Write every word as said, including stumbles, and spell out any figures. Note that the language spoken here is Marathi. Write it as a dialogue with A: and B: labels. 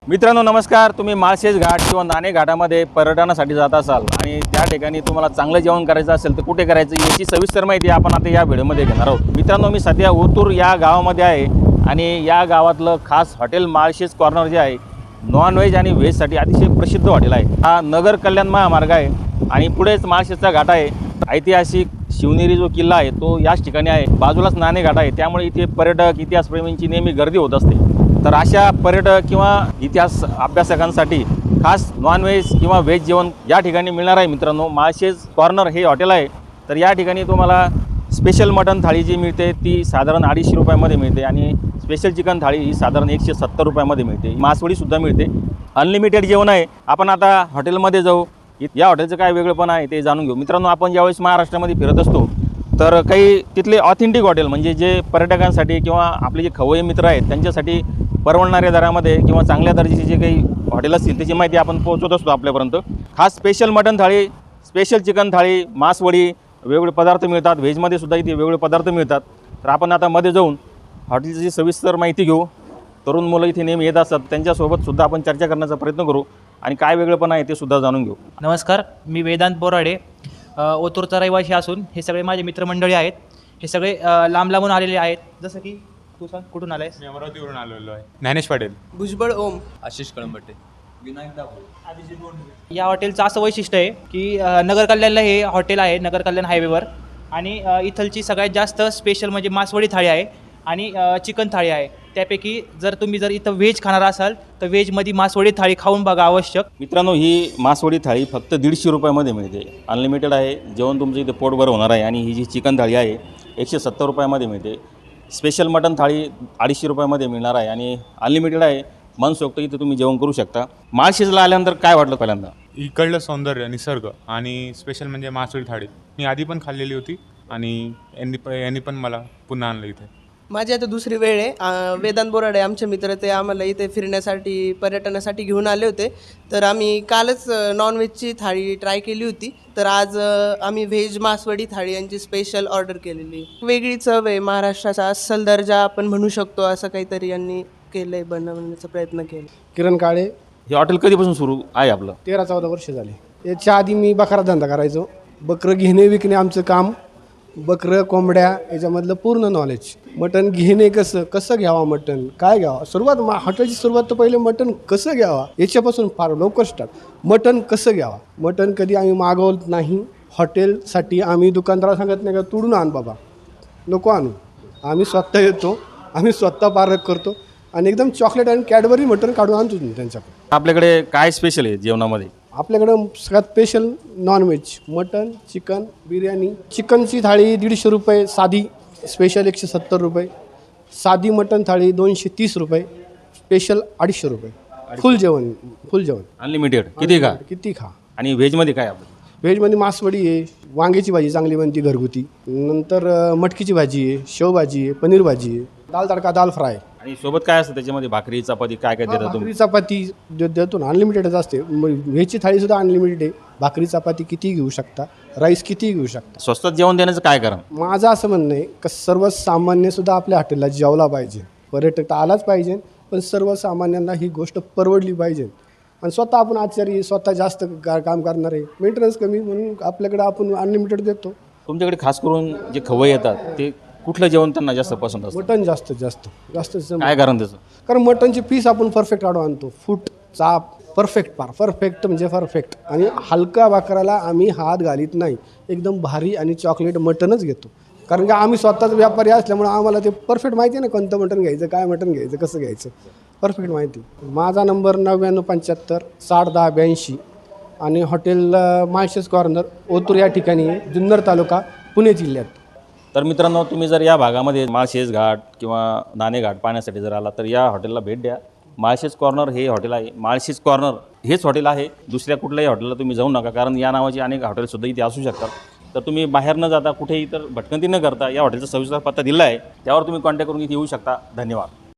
A: मित्रांनो नमस्कार। तुम्ही माळशेज घाट किंवा नाणे घाटामध्ये पर्यटनासाठी जात असाल आणि त्या ठिकाणी तुम्हाला चांगलं जेवण करायचं असेल तर कुठे करायचं याची सविस्तर माहिती आपण आता या व्हिडिओमध्ये घेणार आहोत। मित्रांनो मी सध्या ओतूर या गावामध्ये आहे आणि या गावातलं खास हॉटेल माळशेज कॉर्नर जे आहे नॉन व्हेज आणि व्हेजसाठी अतिशय प्रसिद्ध हॉटेल आहे। हा नगर कल्याण महामार्ग आहे आणि पुढेच माळशेजचा घाट आहे। ऐतिहासिक शिवनेरी जो किल्ला आहे तो याच ठिकाणी आहे, बाजूलाच नाणे घाट आहे, त्यामुळे इथे पर्यटक इतिहासप्रेमींची नेहमी गर्दी होत असते। तर अशा पर्यटक किंवा इतिहास अभ्यासकांसाठी खास नॉन व्हेज किंवा व्हेज जेवण या ठिकाणी मिळणार आहे। मित्रांनो माळशेज कॉर्नर हे हॉटेल आहे, तर या ठिकाणी तुम्हाला स्पेशल मटन थाळी जी मिळते ती साधारण अडीचशे रुपयामध्ये मिळते आणि स्पेशल चिकन थाळी ही साधारण एकशे सत्तर रुपयामध्ये मिळते। मासवडीसुद्धा मिळते, अनलिमिटेड जेवण आहे। आपण आता हॉटेलमध्ये जाऊ, या हॉटेलचं काय वेगळंपण आहे ते जाणून घेऊ। मित्रांनो आपण ज्यावेळेस महाराष्ट्रामध्ये फिरत असतो तर काही तिथले ऑथेंटिक हॉटेल म्हणजे जे पर्यटकांसाठी किंवा आपले जे खवय्ये मित्र आहेत त्यांच्यासाठी परवडणाऱ्या दरामध्ये किंवा चांगल्या दर्जाचे जे काही हॉटेल असतील त्याची माहिती आपण पोहोचवत असतो आपल्यापर्यंत। खास special mutton thali, special chicken thali, मासवडी, वेगवेगळे पदार्थ मिळतात। व्हेजमध्ये सुद्धा इथे वेगवेगळे पदार्थ मिळतात। तर आपण आता मध्ये जाऊन हॉटेलची सविस्तर माहिती घेऊ। तरुण मुलं इथे नेहमी येत असतात, त्यांच्यासोबत सुद्धा आपण चर्चा करण्याचा प्रयत्न करू आणि काय वेगळेपण आहे ते सुद्धा जाणून घेऊ।
B: नमस्कार, मी वेदांत बोराडे, ओतूरचा रहिवासी असून हे सगळे माझे मित्रमंडळी आहेत। हे सगळे लांब लांबून आलेले आहेत। जसं की तू सांग कुठून आलायस?
C: मी अमरावतीवरून आलेलो आहे। ज्ञानेश पाटील,
D: भुजबळ ओम,
E: आशिष कळंबटे, विनायक दाभोळे।
B: या हॉटेलचं असं वैशिष्ट्य आहे की नगर कल्याणला हे हॉटेल आहे, नगर कल्याण हायवेवर, आणि इथलची सगळ्यात जास्त स्पेशल म्हणजे मासवडी थाळी आहे आणि चिकन थाळी आहे। त्यापैकी जर तुम्ही जर इथं व्हेज खाणार असाल तर व्हेजमध्ये मासवडी थाळी खाऊन बघा आवश्यक।
A: मित्रांनो ही मासवडी थाळी फक्त दीडशे रुपयामध्ये मिळते, अनलिमिटेड आहे। जेवण तुमचं इथे पोटभर होणार आहे आणि ही जी चिकन थाळी आहे एकशे सत्तर रुपयामध्ये मिळते। स्पेशल मटन थाळी अडीचशे रुपयामध्ये मिळणार आहे आणि अनलिमिटेड आहे। मनसोक्त इथे तुम्ही जेवण करू शकता। माळशेजला आल्यानंतर काय वाटलं पहिल्यांदा?
C: इकडलं सौंदर्य, निसर्ग आणि स्पेशल म्हणजे मासवडी थाळी मी आधी पण खाल्लेली होती आणि यांनी प यांनी पण मला पुन्हा आणलं इथे।
D: माझी आता दुसरी वेळ आहे। अं, वेदांत बोराडे आमचे मित्र ते आम्हाला इथे फिरण्यासाठी पर्यटनासाठी घेऊन आले होते। तर आम्ही कालच नॉनव्हेजची थाळी ट्राय केली होती, तर आज अं, आम्ही व्हेज मासवडी थाळी यांची स्पेशल ऑर्डर केलेली। वेगळी चव आहे, महाराष्ट्राचा अस्सल दर्जा आपण म्हणू शकतो, असं काहीतरी यांनी केलं आहे, बनवण्याचा प्रयत्न केला।
F: किरण काळे,
A: हे हॉटेल कधीपासून सुरू आहे आपलं?
F: तेरा चौदा वर्ष झाली। याच्या आधी मी बकरा धंदा करायचो, बकरं घेणे विकणे आमचं काम, बकरं कोंबड्या याच्यामधलं पूर्ण नॉलेज। मटण घेणे कसं कसं घ्यावा, मटण काय घ्यावा, सुरुवात मा हॉटेलची सुरुवात तर पहिले मटण कसं घ्यावा याच्यापासून फार लवकर स्टार्ट। मटण कसं घ्यावा, मटण कधी आम्ही मागवत नाही हॉटेलसाठी। आम्ही दुकानदाराला सांगत नाही का तुडून आण बाबा, नको आणू, आम्ही स्वतः येतो, आम्ही स्वतः पारख करतो आणि एकदम चॉकलेट आणि कॅडबरी मटण काढून आणतो त्यांच्याकडे।
A: आपल्याकडे काय स्पेशल आहे जेवणामध्ये?
F: आपल्याकडं सगळ्यात special non veg mutton, chicken, biryani. चिकनची थाळी दीडशे रुपये, साधी स्पेशल एकशे सत्तर रुपये, साधी मटन थाळी दोनशे तीस रुपये, स्पेशल अडीचशे रुपये। फुल जेवण, फुल जेवण
A: अनलिमिटेड किती खा
F: किती खा।
A: आणि व्हेजमध्ये काय आपलं?
F: व्हेजमध्ये मासवडी आहे, वांग्याची भाजी चांगली बनती घरगुती, नंतर मटकीची भाजी आहे, शेवभाजी आहे, पनीर भाजी आहे, दाल तडका, दाल फ्राय।
A: आणि सोबत काय असतं त्याच्यामध्ये? भाकरी, चपाती काय काय देता तुम्ही?
F: भाकरी चपाती दे- देतो ना, अनलिमिटेडच असते। व्हेजची थाळीसुद्धा अनलिमिटेड आहे, भाकरी चपाती कितीही घेऊ शकता, राईस कितीही घेऊ शकता।
A: स्वस्तात जेवण देण्याचं काय कारण?
F: माझं असं म्हणणं आहे की सर्वसामान्यसुद्धा आपल्या हॉटेलला जेवला पाहिजे, पर्यटक तर आलाच पाहिजे, पण सर्वसामान्यांना ही गोष्ट परवडली पाहिजे। आणि स्वतः आपण आचारी, स्वतः जास्त का काम करणार आहे, मेंटेनन्स कमी, म्हणून आपल्याकडे आपण अनलिमिटेड देतो।
A: तुमच्याकडे खास करून जे खवय्ये येतात ते कुठलं जेवण त्यांना जास्त पसंत असतं?
F: मटण जास्त जास्त जास्त
A: काय कारण त्याचं?
F: कारण मटणची पीस आपण परफेक्ट काढून आणतो, फूट चाप परफेक्ट, पार परफेक्ट म्हणजे परफेक्ट। आणि हलका भाकराला आम्ही हात घालीत नाही, एकदम भारी आणि चॉकलेट मटणच घेतो, कारण की आम्ही स्वतःच व्यापारी असल्यामुळे आम्हाला ते परफेक्ट माहिती आहे ना, कोणतं मटण घ्यायचं, काय मटण घ्यायचं, कसं घ्यायचं, परफेक्ट माहिती। माझा नंबर नव्याण्णव पंच्याहत्तर साठ दहा ब्याऐंशी आणि हॉटेल माळशेज कॉर्नर ओतूर या ठिकाणी आहे, जुन्नर तालुका, पुणे जिल्ह्यात।
A: तर मित्रांनो तुम्ही जर या भागामध्ये माळशेज घाट किंवा नाणे घाट पाहण्यासाठी जर आला तर या हॉटेलला भेट द्या। माळशेज कॉर्नर हे हॉटेल आहे, माळशेज कॉर्नर हेच हॉटेल आहे, दुसऱ्या कुठल्याही हॉटेलला तुम्ही जाऊ नका, कारण या नावाची अनेक हॉटेलसुद्धा इथे असू शकतात। तर तुम्ही बाहेर न जाता कुठेही तर भटकंती न करता या हॉटेलचा सविस्तर पत्ता दिला आहे, त्यावर तुम्ही कॉन्टॅक्ट करून इथे येऊ शकता। धन्यवाद।